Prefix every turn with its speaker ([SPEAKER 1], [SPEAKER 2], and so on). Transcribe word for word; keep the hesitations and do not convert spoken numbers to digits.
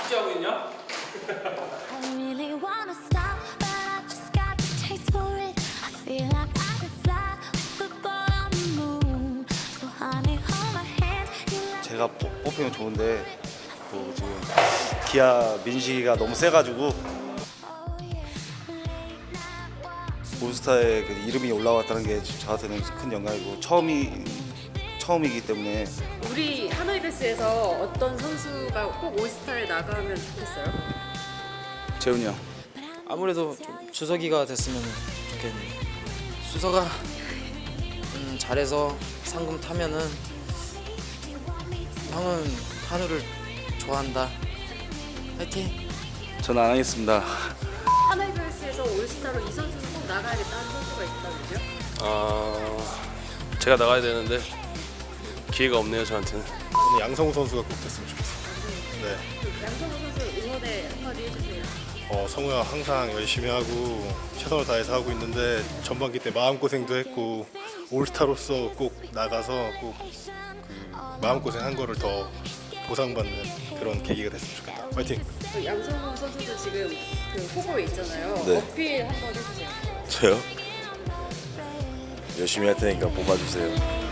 [SPEAKER 1] 취하고 있냐?
[SPEAKER 2] I really wanna stop, but I just got the taste for it. I feel like I could fly with the ball on the moon. So honey, hold my hand. You let
[SPEAKER 3] 제가 뽑- 뽑히면 좋은데 뭐 지금 기아 민식이가 너무 세가지고
[SPEAKER 2] oh yeah, late night walks.
[SPEAKER 3] 올스타에 그 이름이 올라왔다는 게 저한테는 큰 영광이고 처음이 처음이기 때문에
[SPEAKER 4] 우리 하노이베스에서 어떤 선수가 꼭 올스타에 나가면 좋겠어요?
[SPEAKER 5] 재훈이 형. 아무래도 좀 주석이가 됐으면 좋겠네. 수석아 음, 잘해서 상금 타면은 형은 한우를 좋아한다. 화이팅.
[SPEAKER 3] 저는 안 하겠습니다.
[SPEAKER 4] 하노이베스에서 올스타로 이 선수는 꼭 나가야겠다는 선수가 있다면요?
[SPEAKER 1] 아 제가 나가야 되는데 기회가 없네요 저한테는.
[SPEAKER 6] 저는 양성우 선수가 꼭 됐으면 좋겠어요. 네.
[SPEAKER 4] 그 양성호 선수 응원의 한마디 해주세요.
[SPEAKER 6] 어, 성우야 항상 열심히 하고 최선을 다해서 하고 있는데 전반기 때 마음고생도 했고 올스타로서 꼭 나가서 꼭 그 마음고생한 거를 더 보상받는 그런 계기가 됐으면 좋겠다. 화이팅!
[SPEAKER 4] 그 양성호 선수도 지금 그 후보에 있잖아요.
[SPEAKER 3] 네.
[SPEAKER 4] 어필 한번 해주세요.
[SPEAKER 3] 저요? 열심히 할 테니까 뽑아주세요.